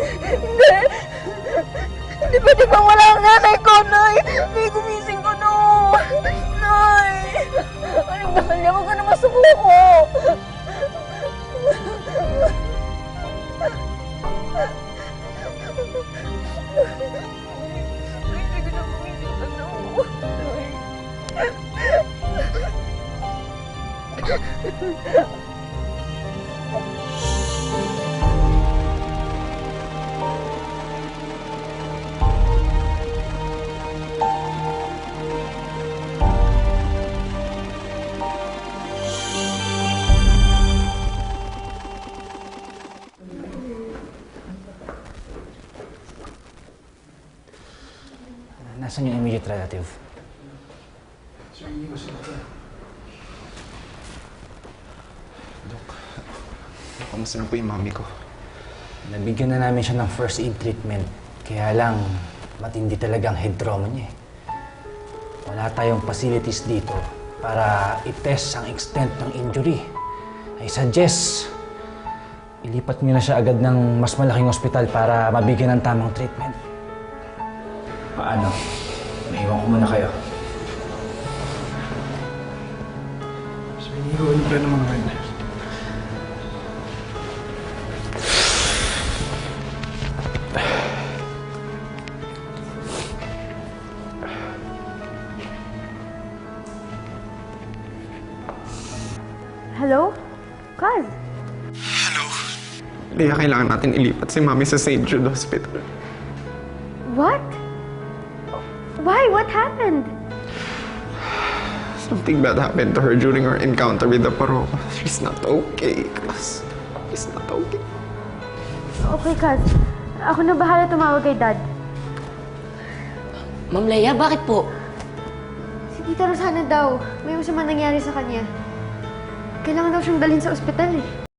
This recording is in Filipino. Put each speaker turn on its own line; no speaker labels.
Hindi! Hindi pwede bang wala ang nanay ko, Nay! Nay, gumising ko, no! Nay! Ay, mahal niya, huwag ka naman sumuko! Ay, hindi ko na gumising ka, no!
Nasaan yung immediate relative?
Sir, hindi ko sila. Dok, kamusta na po yung mami ko?
Nabigyan na namin siya ng first aid treatment. Kaya lang, matindi talagang head trauma niya eh. Wala tayong facilities dito para i-test ang extent ng injury. I suggest, ilipat niyo na siya agad ng mas malaking ospital para mabigyan ng tamang treatment. Paano? Naiwan ko muna kayo.
Sir, hindi ko alam na mga ganyan.
Hello? Kaz?
Hello? Kaya kailangan natin ilipat si mami sa St. Jude Hospital.
What? Why? What happened?
Something bad happened to her during our encounter with the paroko. She's not okay, Kaz. She's not okay.
Okay, Kaz. Ako na bahala tumawag kay Dad.
Ma'am Leia, bakit po?
Si Tita Rosana daw. May masama nangyari sa kanya. Kailangan daw siyang dalhin sa ospital eh.